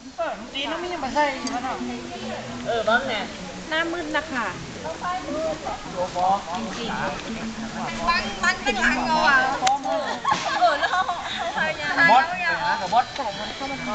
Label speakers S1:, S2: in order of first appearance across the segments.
S1: ตีน้องมียังมาใส่มาเนาะบ้างเนี่ยหน้ามืดนะคะจริงๆบ้านเป็นหลังเราอ่ะแล้วพยายามบดกับบดใส่มันเข้ามา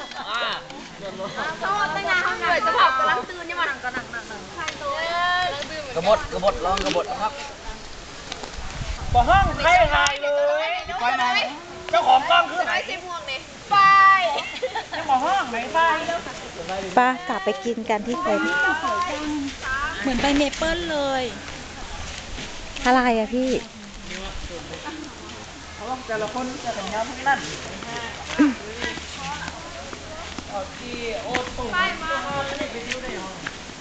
S1: เขาตั้งนานเขาเหนื่อยจะผับกำลังตื่นนี่มันกำลังใช่ตัวกระบดลองกระบดนะครับบ่ห้องใครหายเลยไปไหนเจ้าของกล้องคือไหนสีม่วงเนี่ยไปยังบ่ห้องไหนไป
S2: ป้ากลับไปกินกันที่เต็นท์
S3: เหมือนใบเมเปิลเลย
S2: อะไรอะพี่
S1: แต่ละคนจะแต่งงานทั้งนั้นที่โอ้ตุ่มไปดิวได้หรอ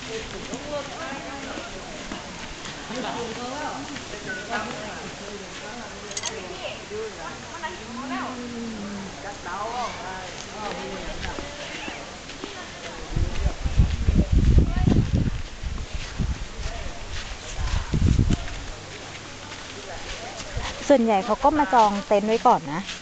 S2: ส่วนใหญ่เขาก็มาจองเต็นท์ไว้ก่อนนะ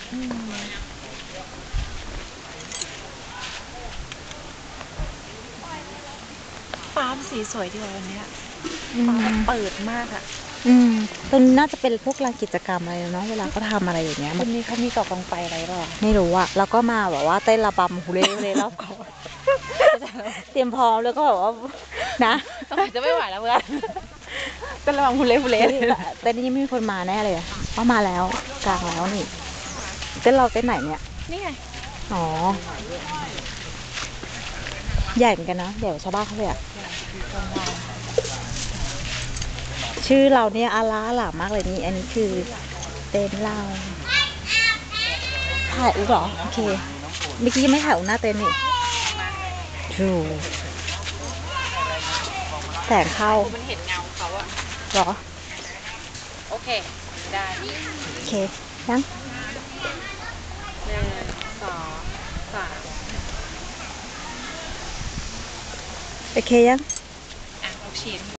S3: ฟ้าสีสวยดีวันนี้ฟ้าเปิดมากอ่ะ
S2: ตรงนี้น่าจะเป็นพวกลานกิจกรรมอะไรเนาะเวลาเขาทำอะไรอย่างเงี้ย
S3: วันนี้เขามีเกาะกองไฟอะไรหรอ
S2: ไม่รู้อะแล้วก็มาแบบว่าเต้นระบำฮูเล่รอบเกาะเตรียมพร้อมแล้วก็แบบว่านะ
S3: จะไม่ไหวแล้วเพื่อนเต้นระบำฮูเล่
S2: แต่นี่ไม่มีคนมาแน่เลยเพราะมาแล้วกลางแล้วนี่เต้นเราเต้นไหนเนี่ย
S3: นี่ไง
S2: อ๋อใหญ่เหมือนกันนะใหญ่กว่าชาวบ้านเขาเลยอะชื่อเราเนี่ยอาลาหลามากเลยนี่อันนี้คือเต็นท์เราถ่ายอุ๊เหรอโอเคเมื่อกี้ยังไม่ถ่ายอุ๊หน้าเต็นท์นี่ถูกแสงเข้า
S3: มันเห็นเงาเขาอะ
S2: หรอ
S3: โอเคได้
S2: โอเคยัง
S3: 1 2 3
S2: โอเคยัง
S3: ลูกชิ้น